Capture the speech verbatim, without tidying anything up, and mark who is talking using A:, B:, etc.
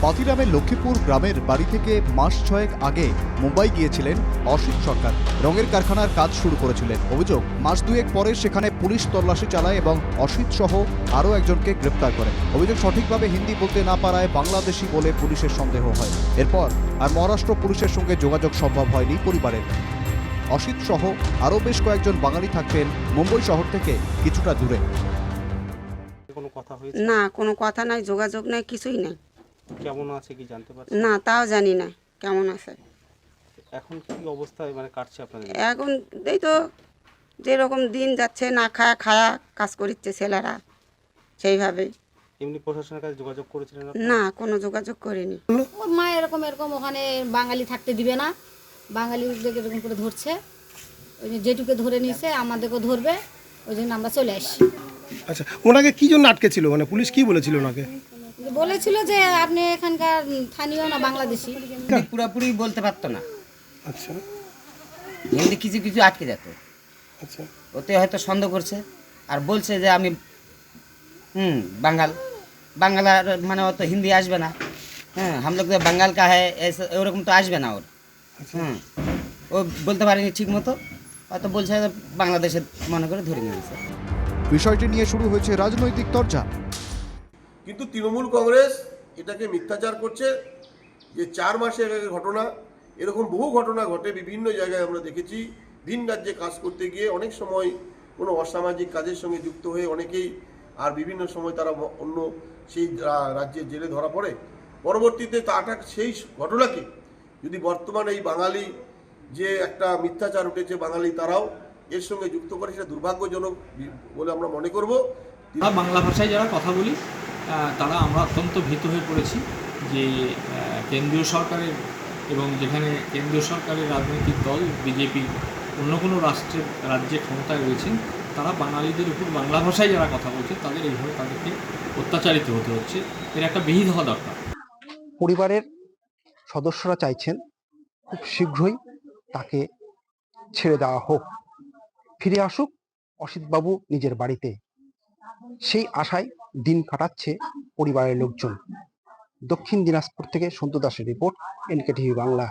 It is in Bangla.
A: মাতিরামের লক্ষ্মীপুর গ্রামের বাড়ি থেকে মাস ছয়েক আগে মুম্বাই গিয়েছিলেন অসিত সরকার। রঙের কারখানার কাজ শুরু করেছিলেন। অভিযোগ, মাস দুয়েক পরে সেখানে পুলিশ তল্লাশি চালায় এবং অসিত সহ আরও একজনকে গ্রেপ্তার করে। অভিযোগ, সঠিকভাবে হিন্দি বলতে না পারায় বাংলাদেশি বলে পুলিশের সন্দেহ হয়। এরপর আর মহারাষ্ট্র পুলিশের সঙ্গে যোগাযোগ সম্ভব হয়নি পরিবারের। অসিত সহ আরও বেশ কয়েকজন বাঙালি থাকতেন মুম্বাই শহর থেকে কিছুটা দূরে।
B: না, কোনো কথা নাই, যোগাযোগ নাই, কিছুই নাই।
C: কেমন আছে কি জানতে পারছেন?
B: না, তাও জানি না কেমন আছে।
C: এখন কি অবস্থায় মানে কাটছে আপনাদের?
B: এখন এই তো যেরকম দিন যাচ্ছে, না খায়া খায়া কাজ করছে ছেলেরা, সেইভাবেই।
C: এমনি প্রশাসনের কাছে যোগাযোগ করেছিলেন আপনারা?
B: না, কোনো যোগাযোগ করিনি।
D: ওর মা এরকম এরকম ওখানে বাঙালি থাকতে দিবে না, বাঙালিদের এরকম করে ধরছে, ওই যে যেটুকে ধরে নিয়েছে আমাদেরকেও ধরবে, ওই জন্য আমরা চলে আসি।
E: আচ্ছা, ওনাকে কি জন্য আটকে ছিল, মানে পুলিশ কি বলেছিল ওনাকে?
D: বলেছিল যে আপনি এখানকার স্থানীয় না বাংলাদেশি।
F: পুরোপুরি বলতে পারতো না,
E: আচ্ছা
F: হিন্দি কিছু কিছু আটকে যেত।
E: আচ্ছা,
F: ওতে হয়তো সন্দেহ করছে আর বলছে যে আমি হুম বাঙাল বাংলা মানে অত হিন্দি আসবে না। হ্যাঁ, হাম লোক বাঙ্গাল কা হ্যাঁ এরকম তো আসবে না ওর। হুম, ও বলতে পারেনি ঠিক মতো, হয়তো বলছে বাংলাদেশের মনে করে ধরে নিয়েছে।
A: বিষয়টি নিয়ে শুরু হয়েছে রাজনৈতিক চর্চা।
G: কিন্তু তৃণমূল কংগ্রেস এটাকে মিথ্যাচার করছে যে চার মাসে আগের ঘটনা। এরকম বহু ঘটনা ঘটে বিভিন্ন জায়গায়, আমরা দেখেছি। ভিন রাজ্যে কাজ করতে গিয়ে অনেক সময় কোনো অসামাজিক কাজের সঙ্গে যুক্ত হয়ে অনেকেই আর বিভিন্ন সময় তারা অন্য সেই রাজ্যের জেলে ধরা পড়ে। পরবর্তীতে তাটা সেই ঘটনাকে যদি বর্তমানে এই বাঙালি যে একটা মিথ্যাচার উঠেছে, বাঙালি তারাও এর সঙ্গে যুক্ত করে, সেটা দুর্ভাগ্যজনক বলে আমরা মনে করব।
H: আমরা বাংলা ভাষায় যারা কথা বলি তারা আমরা অত্যন্ত ভীত হয়ে পড়েছি যে কেন্দ্রীয় সরকারের এবং যেখানে কেন্দ্রীয় সরকারের রাজনৈতিক দল বিজেপি অন্য কোনো রাষ্ট্রের রাজ্যে ক্ষমতায় রয়েছেন, তারা বাঙালিদের উপর বাংলা ভাষায় যারা কথা বলছে তাদের এইভাবে তাদেরকে অত্যাচারিত হতে হচ্ছে। এর একটা বিহিত হওয়া দরকার।
I: পরিবারের সদস্যরা চাইছেন খুব শীঘ্রই তাকে ছেড়ে দেওয়া হোক, ফিরে আসুক অসিতবাবু নিজের বাড়িতে। সেই আশায় দিন কাটাচ্ছে পরিবারের লোকজন। দক্ষিণ দিনাজপুর থেকে সন্তু দাসের রিপোর্ট, এনকে টিভি বাংলা।